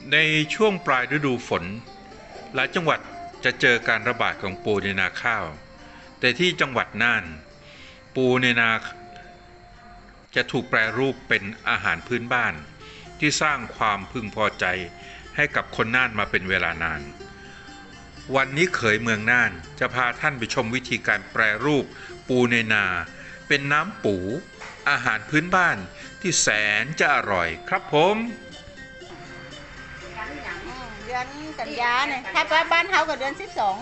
ในช่วงปลายฤดูฝนหลายจังหวัดจะเจอการระบาดของปูในนาข้าวแต่ที่จังหวัดน่านปูในนาจะถูกแปรรูปเป็นอาหารพื้นบ้านที่สร้างความพึงพอใจให้กับคนน่านมาเป็นเวลานานวันนี้เขยเมืองน่านจะพาท่านไปชมวิธีการแปรรูปปูในนาเป็นน้ำปูอาหารพื้นบ้านที่แสนจะอร่อยครับผมเดือนกันยาเนี่ยถ้าบ้านเขาก็เดือน12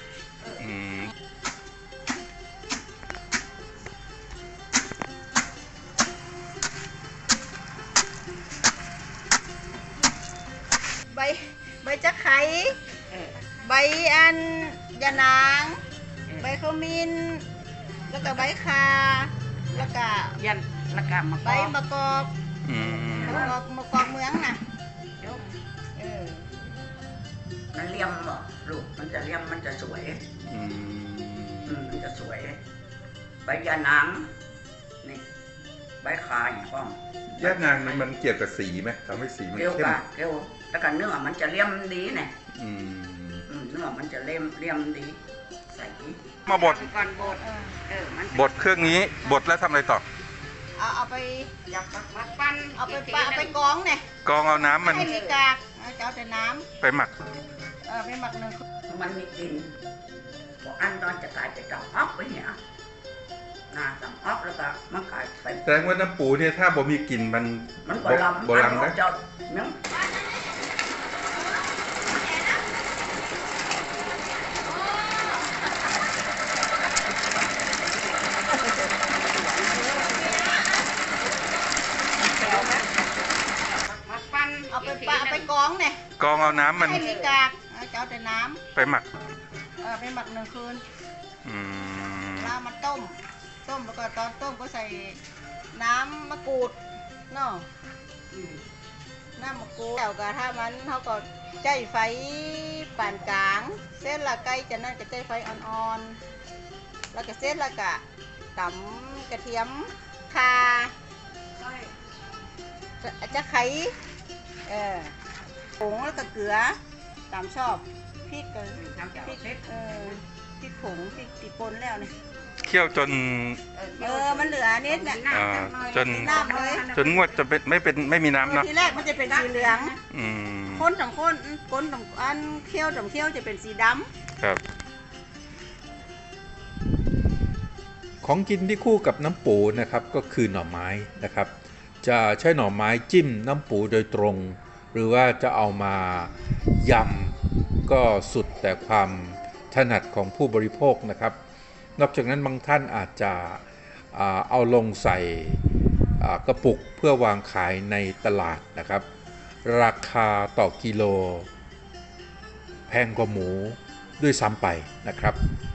ใบจะไข่ใบอันยะนางใบขมิ้นแล้วก็ใบคาแล้วก็ยันละกามะใบมะกอกมะกอกเมืองน่ะมันเลี่ยมบ่ลูกมันจะเลี่ยมมันจะสวยมันจะสวยใบยานางนี่ใบคาอย่างป้องยานางมันเกี่ยวกับสีไหมทำให้สีมันเข้มเกี่ยวแล้วกันเนื้อมันจะเลี่ยมดีเนี่ยเนื้อมันจะเลี่ยมดีใส่มาบดก่อนบดเครื่องนี้บดแล้วทำอะไรต่อเอาไปจับมาปั้นเอาไปกองเนี่ยกองเอาน้ำมันให้มีกากเอาแต่น้ำไปหมักไปหมักหนึ่งมันมีกลิ่นพออันตอนจะกลายเป็นดอกออกไปเนี่ยดอกออกแล้วก็มันกลายเป็นแสดงว่าน้ำปูเนี่ยถ้าบ่มีกลิ่นมันโบราณนะเจ้าเนื้อเอาไปกองเนี่ยกองเอาน้ำมันให้มีกากเอาแต่น้ำไปหมักไปหมัก1 คืนแล้วมันต้มแล้วก็ตอนต้มก็ใส่น้ำมะกรูดเนาะน้ำมะกรูดแล้วก็ถ้ามันเขาก็ใจไฟปานกลางเส้นละไก่จะนั่นก็ใจไฟอ่อนๆแล้วก็เส้นละกะตำกระเทียมข่าจะไข่ผงแล้วก็เกลือตามชอบพริกกันพริกผงพริกติปนแล้วเนี่ยเคี่ยวจนมันเหลือนิดเนี่ยจนน้ำเลยจนงวดจะไม่มีน้ำเนาะทีแรกมันจะเป็นสีเหลืองข้นของอันเคี่ยวจะเป็นสีดำครับของกินที่คู่กับน้ำปูนะครับก็คือหน่อไม้นะครับจะใช้หน่อไม้จิ้มน้ำปูโดยตรงหรือว่าจะเอามายำก็สุดแต่ความถนัดของผู้บริโภคนะครับนอกจากนั้นบางท่านอาจจะเอาลงใส่กระปุกเพื่อวางขายในตลาดนะครับราคาต่อกิโลแพงกว่าหมูด้วยซ้ำไปนะครับ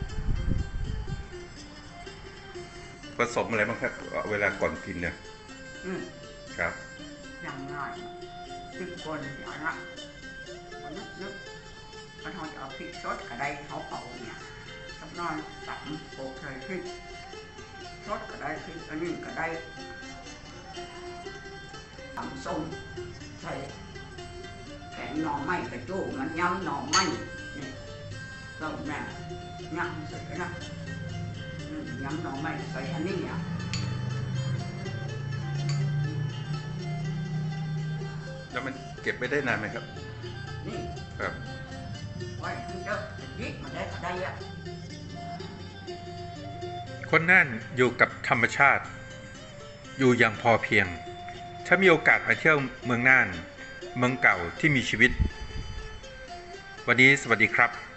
ผสมอะไรบ้างครับเวลาก่อนกินเนี่ยครับอย่างง่าย10 คนอย่างละนึกมันเขาจะเอาพริกสดกระไดเขาเป่าเนี่ยสักน้อยตับโปกใส่พริกสดกระไดพริกอันนี้กระไดตำส้มใส่แกงหน่อไม้กระจู้มันยำหน่อไม้นี่ต้มแม่ยำใส่นะยำหน่อไม้ใส่อันนี้เนี่ยแล้วมันเก็บไว้ได้นานไหมครับนี่ครับไว้ให้เยอะยิบมาได้ก็ได้อะคนน่านอยู่กับธรรมชาติอยู่อย่างพอเพียงถ้ามีโอกาสมาเที่ยวเมืองน่านเมืองเก่าที่มีชีวิตวันนี้สวัสดีครับ